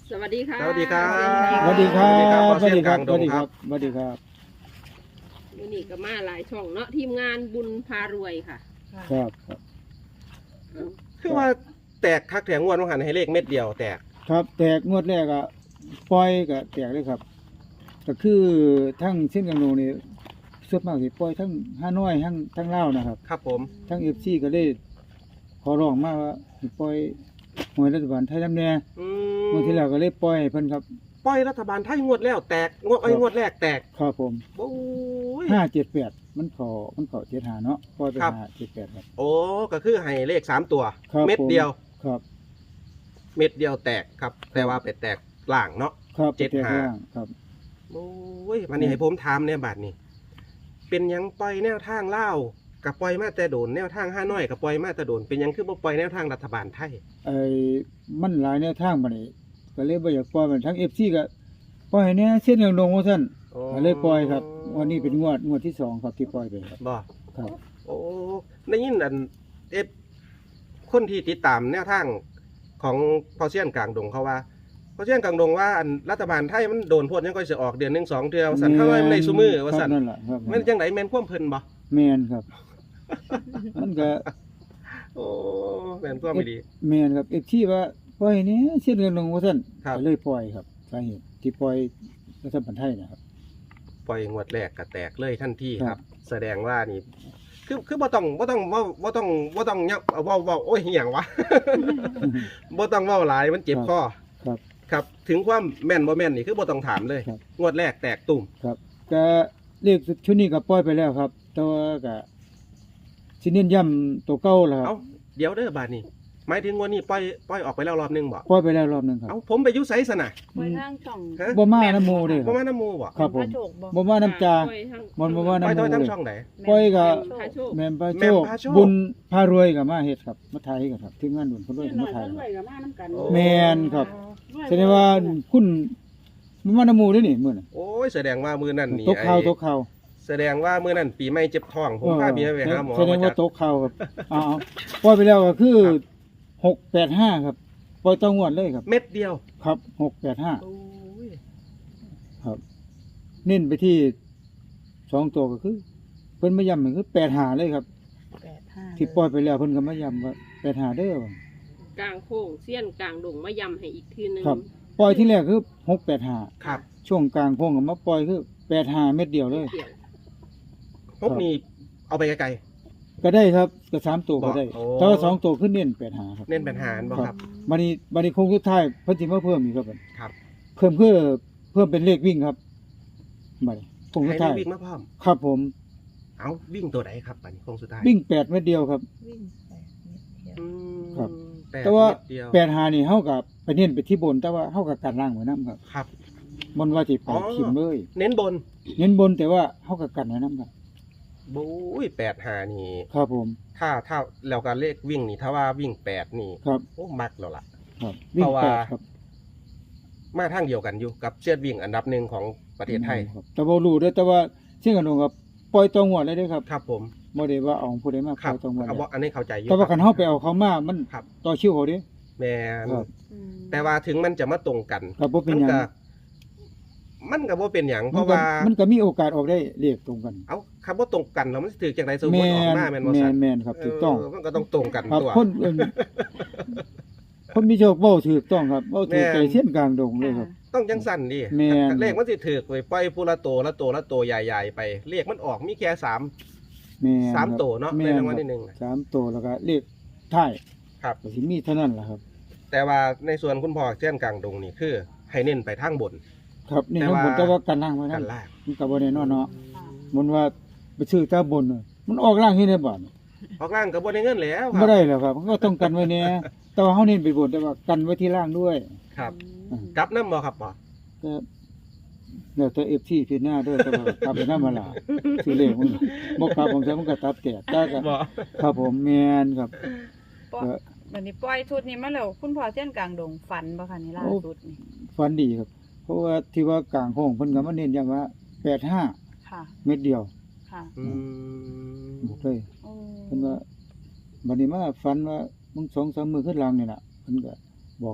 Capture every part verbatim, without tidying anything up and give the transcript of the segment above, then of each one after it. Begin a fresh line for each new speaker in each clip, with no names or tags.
สวัสดีค่ะ
สวัสดีครับ
สวัสดีครับ
สวัสดีครับ
สวัสดีครับ
ขอ
สวัสดีครับ
วันนี้ก็มาหลายช่องเนาะทีมงานบุญพารวยค่ะ
ครับครับ
คือว่าแตกคักแถงงวดว่าหันให้เลขเม็ดเดียวแตก
ครับแตกงวดแรกอะปล่อยก็แตกเลยครับก็คือทั้งเส้นกังโนนี่ส่วนมากสิปล่อยทั้งฮานอยทั้งทั้งลาวนะครับ
ครับผม
ทั้ง เอฟ ซี ก็เลยขอร้องมาว่าให้ปล่อยหวยรัฐบาลไทยนำแน่
อืม
งวดที่แล้วก็เลยปล่อยให้เพิ่นครับ
ปล่อยรัฐบาลไทยงวดแล้วแตกงวดไอ้ย
ครับ
งวดแรกแตก
ครับผม
โอ้ย
ห้าเจ็ดแปดมันเข้ามันเข้าเจ็ดห้าเนาะปล่อยไป
ครับ
ห้าเจ็ดแปดครับ
โอ้ก็คือให้เลขสามตัว
ครับ
เม็ดเดียว
ครับ
เม็ดเดียวแตกครับ แต่ว่าไปแตกล่างเนาะ
ครับ
เจ็ด
แตก
ห้า
ล่างครับ
โอ้ยวันนี้ให้ผมถามเนี่ยบาทนี้เป็นหยังปล่อยแนวทางเล่าวกับปล่อยมาแต่โดนแนวทางห้าน้อยกับปล่อยมาแต่โดนเป็นหยังคือบ่ปล่อยแนวทางรัฐบาลไทย
ไอ้มันหลายแนวทางบัดนี้ก็เลยบ่อยากปล่อยมันทั้ง เอฟ ซี ก็ปล่อยให้แหน่เส้นอย่างลงว่าซั่นก็เลยปล่อยครับ วันนี้เป็นงวดงวดที่สองครับที่ปล่อยไปครับ
บ่
ครับ
โอ้ได้ยินอันเอฟคนที่ติดตามแนวทางของพอเซียนกลางดงเขาว่าพอเซียนกลางดงว่าอันรัฐบาลไทยมันโดนพวดยังก็จะออกเดือนหนึ่งสองเดือนว่าสันเข้าไว้มันในซุมือว่าสัน
ครับนั่นล่ะครับ
แม่นจังไดแม่นความเพิ่นบ่
แม่นครับ มันก็
โอ้แม่นความไม่ดี
แม่นครับ เอฟ ซี ว่าปล่อยให้แหน่เส้นอย่างลงว่าซั่น
ครับ
ก็เลยปล่อยครับสาเหตุที่ปล่อยรัฐบาลไทยนะครับ
ปล่อยงวดแรกก็แตกเลยทันทีค
ครั
รับ
บ
แสดงว่านี่ คือคือบ่ต้องบ่ต้องเว้าบ่ต้องบ่ต้องเนาเว้าเว้าโอ้ยอหย่างวะ บ่ต้องเว้าหลายมันเจ็บคอ
ครับ
ครับถึงความแม่นบ่แม่นนี่คือบ่ต้องถามเลย
ครับ
งวดแรกแตกตุ่ม
ครับก็เลขชุดนี้ก็ปล่อยไปแล้วครับ แต่ว่าก็สิเน้นย้ำตัวเก่าแล้วค
เอ้า
รับ
เดี๋ยวเด้อบาดนี้หมายถึงวันนี้ปล่อยปล่อยออกไปแล้วรอบหนึงบ่
ปล่อยไปแล้วรอบหนึงครับ
เอ้าผมไปอยุไสซะน่ะ
ไปทางช่อง
ฮะ
บ่มาน้ำหมูเด้อค
บ่
รับ
มาน้ำหมูบ่
ครับผม
พะโชคบ่
บ่มาน้ำจา
ไปทาง
บ่บ่มา
ปล่อย
น้ำหมู
ทอยทั้ง
เลย
ช่องไหน
ปล่อยก็
พะโชค
แม่นพระ
แม่
โช
น
ค
พระโชค
บุญพารวยก็มาเฮ็ดครับมาถ่ายให้กันครับทีมงานบุญพารวยก็มาถ่าย
รวยกับมาน้ำกัน
โอ้
แม่นครับแสดงว่าคุณบ่มาน้ำหมูเด้อนี่มื้อน่ะ
โอ้ยแสดงว่ามือนั่นนี่
ตกข่าว
ไอ้
ตกข่าว
แสดงว่ามือนั่นปีใหม่เจ็บท้อง ผมพาเมียไปหาหมอ
แสดง
มา
ว่า
จาก
ตกข่าวครับเอาเอาปล่อยไปแล้วก็คือหกแปดห้าครับปล่อยต่องวดเลยครับ
เม็ดเดียว
ครับหกแปดห้า
โอ้ย
ครับ เน้นไปที่สองตัวก็คือเพิ่นมาย้ำก็คือแปดห้าเลยครับ
แปดห้า
ที่ปล่อยไปแล้วเพิ่นก็มาย้ำว่าแปดห้าเด้อว่ะ
กลางโค้งเสี้ยนกลางดงมายำให้อีกทีหนึง
ครับ ปล่อยที่แรกคือหกแปดห้า
ครับ
ช่วงกลางโค้งก็มาปล่อยคือแปดห้าเม็ดเดียวเลย
เกี่ยว
พวกนี้เอาไปไกล
ก็ได้ครับก็สามตัวก็ได้
โอ้
แต่ว่าสองตัวขึ้นเน้นแปดห้าครับ
ๆเน้นเป็นหารบ่ครับ
บัดนี้บัดนี้โค้งสุดท้ายเพิ่นสิมาเพิ่มอีกครับบัด
ครับ
เพิ่มเพื่อเพิ่มเป็นเลขวิ่งครับบัดนี้โค้งสุ
ให้
ด
ได้
ท้าย
วิ่งมาพร้อม
ครับผม
เอาวิ่งตัวไหนครับปันโค้งสุดท้าย
วิ่งแปดเม็ดเดียวครับ
วิ่งแปดเมตรเดียว
อืม
ครับ
แปด
แต่ว่า
เม็ดเดียว
แปดหานี่เฮากับไปเน้นไปที่บนแต่ว่าเฮากับกันล่างไว้นํครับ
ครับ
บนว่าสิไป
อ๋อ
ทิมเลย
เน้นบน
เน้นบนแต่ว่าเฮากับกันไว้นํครับ
บุ้ยแปดหานี่
ครับผม
ถ้าถ้าแล้วการเลขวิ่งนี่ถ้าว่าวิ่งแปดนี่
ครับ
โอ้มักแล้วล่ะ
ครับวิ่ง
เพราะว่า
แปดครับ
มาทางเดียวกันอยู่กับเชือดวิ่งอันดับหนึ่งของประเทศไทย
ครับแต่บ่รู้เด้อแต่ว่าเชี่ยงกันงครับปล่อยตัวงวดเลยเด้อครับ
ครับผม
บ่ได้ว่าเอาผู้ใดมาป
ครั
ล่
บ
อยตัวงวด
เอา
เลย
บ่อันนี้เข้าใจอยู่
แต่ว่าคันเฮาไปเอาเขามามัน
ครับ
ต่อคิวเขาเด้
แม่น
ครับ
อืม
แต่ว่าถึงมันจะมาตรงกัน
ก็บ่เป็นหยัง
ก็มันก็บ่เป็นหยังเพ
มัน
ราะ
ก็
ว่า
มันก็มีโอกาสออกได้เลขตรงกัน
เอาคำว่าตรงกันแล้วมันสิถือจังไดสมมุติ
แม่
ออก
น
มาแม่นบ่
แม่
ซั่
น
น
แม่นครับถูกต้อง
เมันก็ต้องตรงกัน
ครับ
ตัว
คนเอิ่นคนมีโชคเว้าถูกต้องครับเว้าถูก
แม่น
ใจเส้นกลางดงเลยครับ
ต้องจังสั่นดิ
แม่น
เลขมันสิถือไปปล่อยผู้ละโตละโตละโตใหญ่ๆไปเลขมันออกมีแค่สาม
แม่น
สาม
ครับ
โตเนาะ
แม่
ใน
น
รางวัล
ครับ
ที่หนึ่งน่ะ
สามตัวแล้วก็เลขท้าย
ครับ
ก็สิมีเท่านั้นแหละครับ
แต่ว่าในส่วนคุณพ่อเช่นกลางดงนี่คือ ให้เน้นไปทางบน
ครับนี่
แต่
ทั้ง
ว่า
บนแต่ว่ากันล่างไว้
กั
นั่
น
น
ล่าง
มันก็บ่แน่นอนเนาะมันว่าไปซื้อตาบนน่ะมันออกล่างที่ในบ้าน
ออกล่างก็บ่ได้เงินแล้วค
บ่
รับ
ได้แล้วครับมันก็ต้องกันไว้แน่แต่ว่าเฮาเน้นไปบนแต่ว่ากันไว้ที่ล่างด้วย
ครับ
อืม
กลับน้ำบ่ครับพ่อ
ก็แล้วแต่ เอฟ ซี พิจารณาเด้วยแต่ว่ากลับไปนำมาล่ะซื้อเลขมันบ่กลับผมใช้มันก็ตัดแตกแต่ก็
บ่
ครับผมแม่นครับ
ปล่อยวันนี้ปล่อยชุดนี้มาแล้วคุณพ่อเส้นกลางดงฝันบ่คะนี่ล่าสุดนี่
ฝันดีครับ เพราะว่าที่ว่ากลางโค้งเพิ่นก็มาเน้นย้ำว่าแปดห้า
ค่ะ
เม็ดเดียว
ค่ะ
อืม
บอกเลย
โอ้
เพิ่นว่าบัดนี้มาฝันว่ามึงสองสามมื้อขึ้นหลังนี่ล่ะเพิ่นก็บอกอยู่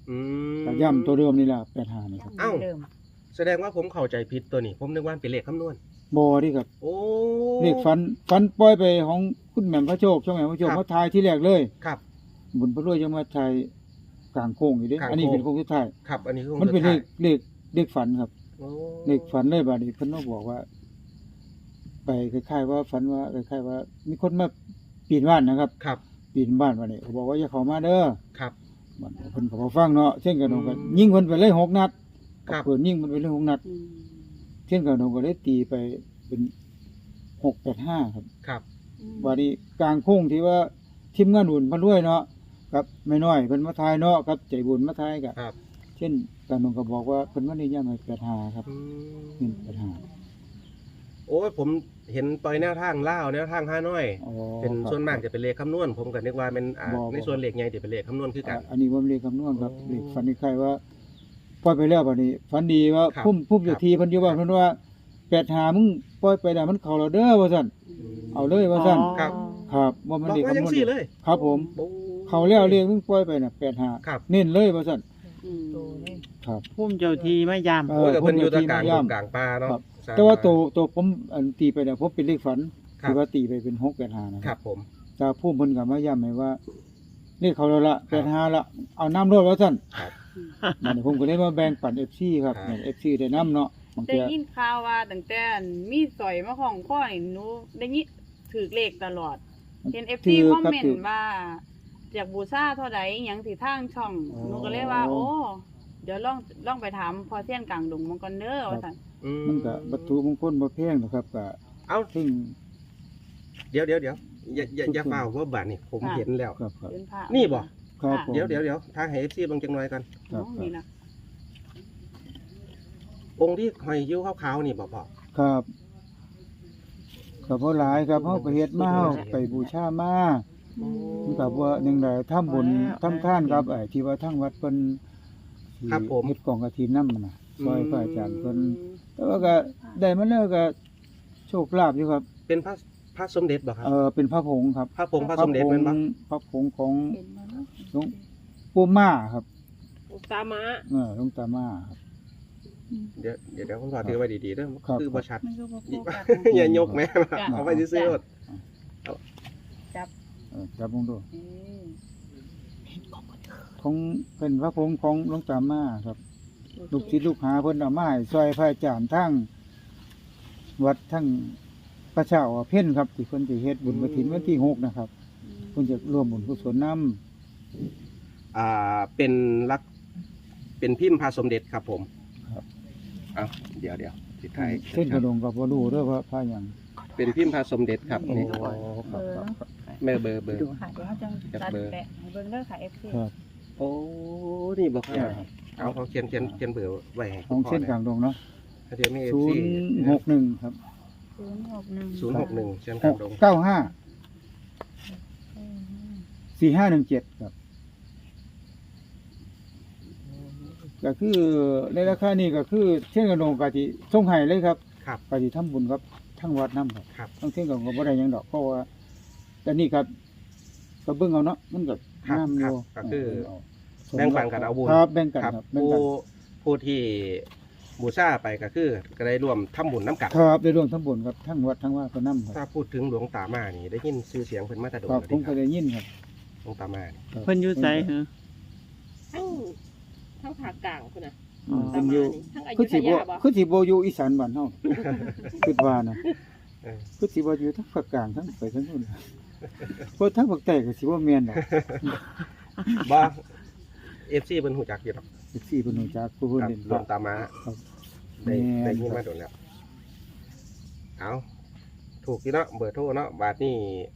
อืม
ก็ย่ำตัวเดิมนี่ล่ะแปดห้านี่ครับ
เอ้า
เดิม
แสดงว่าผมเข้าใจผิดตัวนี้ ผมนึกว่าเป็นเลขคำนวณ
บ่นี่ครับ
โอ้
เลขฝันฝันปล่อยไปของคุณแหม่มพระโชคช่องแหม่มพระโชค
ครับ
มาทายที่แรกเลย
ครับ
บุญพระรวยจะมาทายกลางโค้งอยู่เด้
กลางโค้ง
อันนี้เป็นโค้งสุดท้าย
ครับ อันนี้คือ
มันเป็นเล
สุ
ข
ดท้าย
เลขเลขฝันครับ
โอ้
เลขฝันเลยบัดนี้เพิ่นมาบอกว่า ไปคล้ายๆว่าฝันว่าคล้ายๆว่า มีคนมาปีนบ้านนะครับ
ครับ
ปีนบ้านบัดนี้เขาบอกว่าอย่าเข้ามาเด้อ
ครับ
บัดเพิ่นก็บ่ฟังเนาะเช่นกันนองก็
อืม
ยิงเพิ่นไปเลยหกนัด
ครับ
เพิ่นยิงมันไปเลยหกนัด
อืม
เช่นกันนองก็ได้ตีไปเป็นหกแปดห้าครับ
ครับ
บัดนี้กลางโค้งที่ว่าทีมงานบุญพระรวยเนาะกับแม่น้อยเพิ่นมาทายเนาะกับใจบุญมาทายก็
ครับ
เช่นกันนองก็บอกว่าเพิ่นว่านิยามให้แปดห้าครับ
อื
นี่
ม
แปดห้า
โอ้ยผมเห็นปล่อยแนวทางล่าวแนวทางห้าน้อย
อ๋อ
เป็น
ครับ
ส่วนมากจะเป็นเลขคำนวณ ผมก็นึกว่าเป็นอ่า
บ่บ่
ในส่วนเลขใหญ่จะเป็นเลขคำนวณคือกัน
อ่ะอันนี้บ่เลขคำนวณครับ
อ๋อ
เลขฝันนี่ใครว่าปล่อยไปแล้วบัดนี้ฝันดีว่า
ครับ
พุ่มพุ่มอยู่
ครับ
ทีเพิ่นอยู่ว่าเพิ่นว่าแปดห้ามึงปล่อยไปแล้วมันเข้าแล้วเด้อว่าซั่นเอาเลยว่าซั่น
ครับ
ครับว่ามัน
บอก
เลข
ว่า
คำ
ยัง
นวณ
สี่เลย
ครับผม
โอ้
เข้าแล้วเลขมึงปล่อยไปน่ะแปดห้า
ครับ
เน้นเลยว่าซั่น
อืม
โตเลย
ครับ
พุ่มเจ้าทีไม่ยาม
เอ
โอ้ยแต่เพิ่นอยู่ตะกลาง
พุ่มอยู่ที่
กลางป่าเนาะ
ครับ
สร้ง
แต่ว่า
มา
ตัวตัวผมอันตีไปเนี่ยผมเป็นเลขฝัน
ครับ
ที่ว่าตีไปเป็นหกแปดห้านะ
ค
ค
รั
รั
บบ ผม
แต่ผู้เพิ่นก็มาย้ำให้ว่าเลขเขาแล้วละแปดห้าละเอาน้ำรวดว่าซั่น
ครับ
นั่นผมก็เลยมาแบ่งปัน เอฟ ซี ครับ
ครับ
เนี่ย เอฟ ซี ได้น้ำเนาะบาง
ได้
เทื่อ
ยินข่าวว่าตั้งแต่มีสอยมาของข้อนี่หนูได้ยินถือเลขตลอด เห็น เอฟ ซี คอมเมนต์ว่าอยากบูชาเท่าใดอิหยังสิทางช่องหนูก็เลยว่า โอ้เดี๋ยวลองลองไปถามพอเซียนกลางดงมังกรเด้อว่าซั่น
อื
มันก็วัตถุมงคลบ่แพงนะครับก็
เอ้า
ซึ่ง
เดี๋ยวเดี๋ยวเดี๋ยวอย่าอย่าอย่า
ทุกคน
เฝ้าว่าบาดนี่ผมเห็นแล้ว
ครับครับ
เป็นพระ
นี่บ่
ครับผม
เดี๋ยวเดี๋ยวเดี๋ยวทางให้ เอฟ ซี เบิ่งจังหน่อยกัน
ครั
อ๋อบ นี่นะ
องค์ที่หอยยิ้วขาวๆนี่บ่พ่อ
ครับก็บ่หลายครับเฮาก็เฮ็ดมาเฮาไปบูชามามันก็ว่าหนึงได้ทำบุญทำทานครับไอ้ที่ว่าทางวัดเพิ่นที่
ครับผม
เฮ็ดกองกฐินนำน่ะซอยพระอาจารย์เพิ่น แต่ว่าก็ได้มาแล้วก็โชคลาภอยู่ครับ
เป็นพระพระสมเด็จบ่ครับ
เออเป็นพระผงครับ
พระผงพระสมเด็จแม่นบ่
พระผงของ
เห็นบ่เนาะ
หลวงปู่ม่าครับ
อุตตามะ
เออหลวงตาม่าครับ
เดี๋ยวเดี๋ยวเดี๋ยวคุณพ่อถือไว้ดีๆเด้อ
ครับ
คือบ่ชัด
มันก็บ่โฟกัส
อย่ายกแม่
จ้ะ
เอาไว้ซื่อๆ
จับ
เออจับลงดู
เออ
ของเป็นพระผงของหลวงตาม่าครับ ลูกศิษย์ลูกหาเพิ่นเอามาให้ซอยพระอาจารย์ทั้งวัดทั้งพระเจ้าเพ่นครับที่เพิ่นสิเฮ็ดบุญกฐินวันที่หกนะครับเพิ่นจะร่วมบุญกุศลนำ
อ่าเป็นลักเป็นพิมพ์พระสมเด็จครับผม
ครับ
เอาเดี๋ยวเดี๋ยวสุดท้าย
เส้นกระดงก็บ่รู้เด้อว่าพระหยัง
เป็นพิมพ์พระสมเด็จครับ
โอ้
นี่
ครับ
เบอร์
ครับ
เนาะ
แม่เบอร์เบอร์
ดูค่ะเดี๋ยวเขาจะ
จับ
ตัด
เบอร์
แปะให้เบิ่งเด้อค่ะ เอฟ ซี
ครับ
โอ้นี่บอกครับ
ครับ
เอาเขาเขียนเขียนเขียนเบอร์ไว้ให้
ของเส้นกลางดงเนาะ
เดี๋ยวมีเอฟ
ศู
ซี
นย์หกหนึ่งครับ
ศูนย์หกหนึ่ง
ศูนย์หกหนึ่งเชียน
ห
กลาง
ก
ดง
เก้าห้าสี่ห้าหนึ่งเจ็ดครับ ก็คือในราคานี้ก็คือเช่นกระดงกะทิส่งให้เลยครับ
ครับ
กะทิทำบุญครับทั้งวัดน้ำครับ
ครับ
ทั้งเช่นกับบ่ได้หยังดอกเพราะว่าแต่นี่ครับก็เบิ่งเอาเนาะมันก็
ครับ
งามอ
ครับ
ยู่
ก็คือ
เา
แบ่งปันกันเอาบุญ
ครับแบ่งกัน
ครับ
ครับแบ่ง
ผู้
กัน
ผู้ที่บูชาไปก็คือก็ได้ร่วมทำบุญน้ำกัน
ครับได้ร่วมทั้งบุญครับทั้งวัดทั้งว่าก็นำค
ถ้า
รับ
พูดถึงหลวงตามานี่ได้ยินชื่อเสียงเพิ่นมาแตะโดน
ครับ
แล้ว
ผมก็
ครับ
ได้ยินครับ
หลวงตามานี่
ครับ
เพิ่นอยู่ไสเหรอ
ทั้งทั้งภาคกลางพุ่นน่ะ
อืม
ตา
เพิ่น
มา
อยู่
นี่ทั้งอ
คื
ยุ
อ
ธ
สิบ่
ยาบ่
คือสิบ่อยู่อีสานบ้านเฮาคิดว่านะ
เออ
คือสิบ่อยู่ทั้งภาคกลางทั้งไปทั้งนู้นเพราะทั้งภาคใต้ก็สิบ่แม่นดอก
บ่เอฟซีเพิ่นฮู้จักอยู่ดอก
สิบสี่เพิ่นรู้จักผู้เพิ่น
ครับ
เล่น
หลวงตามา
ครับ
ได้
แม่น
ได้ยิน
ครั
มา
บ
โดนแล้วเอาถูกที่เนาะเบอร์โทรเนาะบาทนี่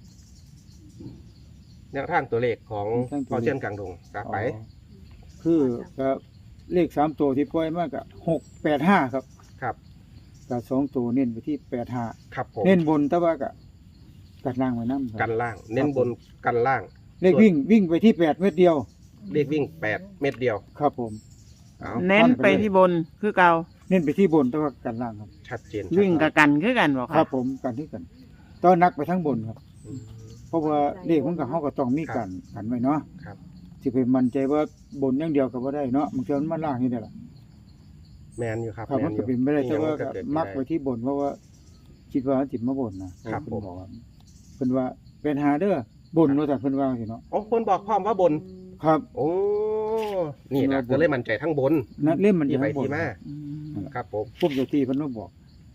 แนวทางตัวเลขของพอเชียนกลางดงกลับไป
อ๋อคือก็เลขสามตัวที่ปล่อยมาก็หกแปดห้าครับ
ครับ
ก็สองตัวเน้นไปที่แปดห้า
ครับผม
เน้นบนแต่ว่าก็กัดล่างไว้นำ
กันล่าง เน้นบนกันล่าง
เลขวิ่งวิ่งไปที่แปดเม็ดเดียว
เลขวิ่งแปดเม็ดเดียว
ครับผม
เอา
เน้นไปที่บนคือเก่า
เน้นไปที่บนแต่ว่ากันล่างครับ
ชัดเจน
วิ่งกับกันคือกันบ่
ค
ค
รั
รั
บบ ผมกันที่กันตอนนักไปทั้งบนครับ
อืม
เพราะว่าเลขมันก็เฮาก็ต้องมีกันกันไว้เนาะ
ครับ
สิไปมั่นใจว่าบนอย่างเดียวก็บ่ได้เนาะบางเทื่อมันมาล่างนี่ได้ล่ะ
แมนอยู่ครับ
ครับ
แม
มัน
นอ
ก็
ยู่
เป็นไม่ได้แต่ว่า
ก็
ก็
เกิด
มัก
ได้
ไว้ที่บนเพราะว่า คิดว่าจิตมาบนนะครับ
ผม
เพิ่นบอกว่าเพิ่นว่าเป็นหาเด้อบนว่าแต่เพิ่นว่าสิเนาะ
โอ้คนบอกพร้อมว่าบน
ครับ
โอ้ นี่นะ
เพิ่นว่าบน
ก็เลยมั่นใจทั้งบน
นั่นเล่มมัน
ที่
จะ
ไป
ให้บน
ที่มา
อืม
ครับผม
ปุ๊บเจ้าที่เพิ่นมาบอก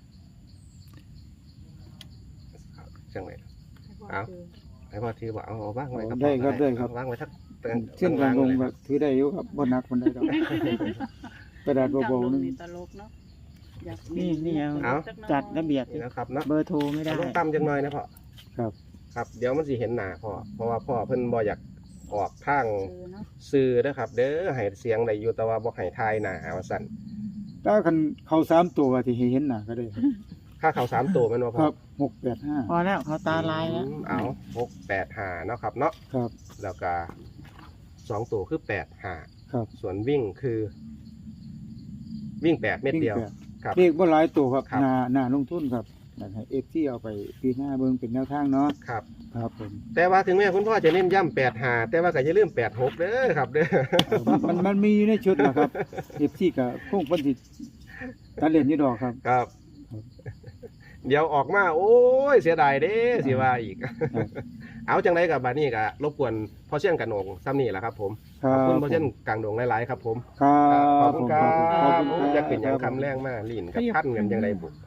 จังไรเอา ให้พ่อถือว่าเอาเอาว่างไว้ครับ
ได้ครับได้ครับ
เอาว่างไว้ทัก
เส้นกลางลง
เลย
แบบถือได้อยู่ครับบ่หนักมันได้ดอกกระดาษ
จัง
เบา
ล
ๆ
ง
นึง
นี่ตลกเนาะอยาก
นี่นี่ยัง
เอา
จัดระเบียบ
นี่นะครับเนาะ
เบอร์โทรไม่ได้
ลงต่ำจังหน่อยนะพ่อ
ครับ
ครับ เดี๋ยวมันสิเห็นหน้าพ่อเพราะว่าพ่อเพิ่นบ่อยากออกทาง
เออเนาะ
สื่อนะครับ เด้อให้เสียงได้อยู่แต่ว่าบ่ให้ทายหน้าว่าซั่น
ถ้าคันเข้าสามตัวที่ให้เห็นหน้าก็ได้ครับ
ค่าเขาสามตัวแม่นบ่
ค
พ่อ
รับหกแปดห้า
พอแล้วเขาตาลายแล้ว
อืมเอาหกแปดห้าเนาะครับเนาะ
ครับ
แล้วก็สองตัวคือแปดห้า
ครับ
ส่วนวิ่งคือ วิ่งแปดเม็ดเดียว
วิ่งแป
ครับ
เลขบ่หลายตัวครับ
ครับ
หน้าหน้าลงทุนครับอยากให้ เอฟ ซี เอาไปปีหน้าเบิ่งเป็นแนวทางเนาะ
ครับ
ครับผม
แต่ว่าถึงแม้คุณพ่อจะเน้นย้ำแปดหาแต่ว่าก็อย่าลืมแปดหกเด้อครับเด้อ
มันมันมันมีอยู่ในชุดนะครับ เอฟ ซี ก็คงเพิ่นสิตัดเล่นอยู่ดอกครับ
ครับ
ครับ
เดี๋ยวออกมาโอ้ยเสียดายเด้สิว่าอีก
ครับ
เอาจังไดกับบานี่ก็รบกวนพ่อเชี่ยนกันโหนงซ้ำนี่แหละครับผม
ครั
ข
บ
อบคุณพ่อเชี่ยนกลางโหนงหลายๆครับผม
ครับ
ขอบคุณครั
ขอ
บบ
คุณครับ
จะเป็นอย่างคำแรงมากลีนกับพันกันยังไงบุก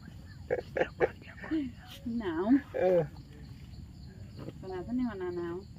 หนาว
เออ
ขนาดท่านนี่ว่าหนาว